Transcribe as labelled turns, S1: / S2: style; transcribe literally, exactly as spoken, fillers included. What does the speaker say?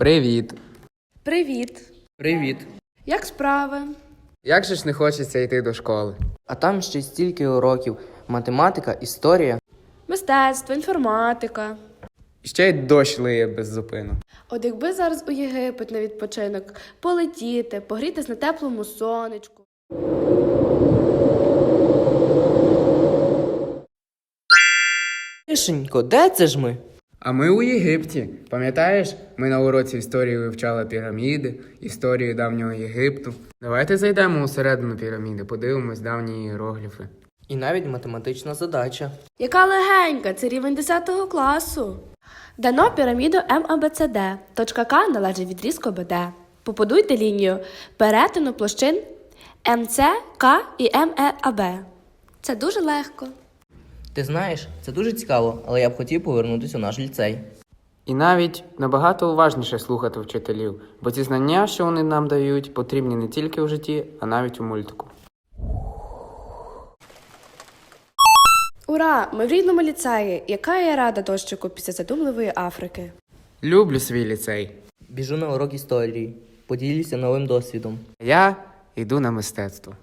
S1: Привіт.
S2: Привіт!
S3: Привіт.
S2: Як справи?
S1: Як же ж не хочеться йти до школи?
S3: А там ще стільки уроків. Математика, історія.
S2: Мистецтво, інформатика.
S1: І ще й дощ лиє без зупину.
S2: От якби зараз у Єгипет на відпочинок полетіти, погрітись на теплому сонечку.
S3: Тишенько, де це ж ми?
S1: А ми у Єгипті. Пам'ятаєш, ми на уроці історії вивчали піраміди, історію давнього Єгипту. Давайте зайдемо усередину піраміди, подивимось давні іерогліфи.
S3: І навіть математична задача.
S2: Яка легенька, це рівень десятого класу. Дано піраміду ем а бе це де. Точка К належить відрізку бе де. Побудуйте лінію перетину площин ем це, К і ем е а бе. Це дуже легко.
S3: Ти знаєш, це дуже цікаво, але я б хотів повернутися у наш ліцей.
S1: І навіть набагато уважніше слухати вчителів, бо ці знання, що вони нам дають, потрібні не тільки в житті, а навіть у мультику.
S2: Ура! Ми в рідному ліцеї. Яка я рада дощику після задумливої Африки.
S1: Люблю свій ліцей.
S3: Біжу на урок історії. Поділюся новим досвідом.
S1: Я йду на мистецтво.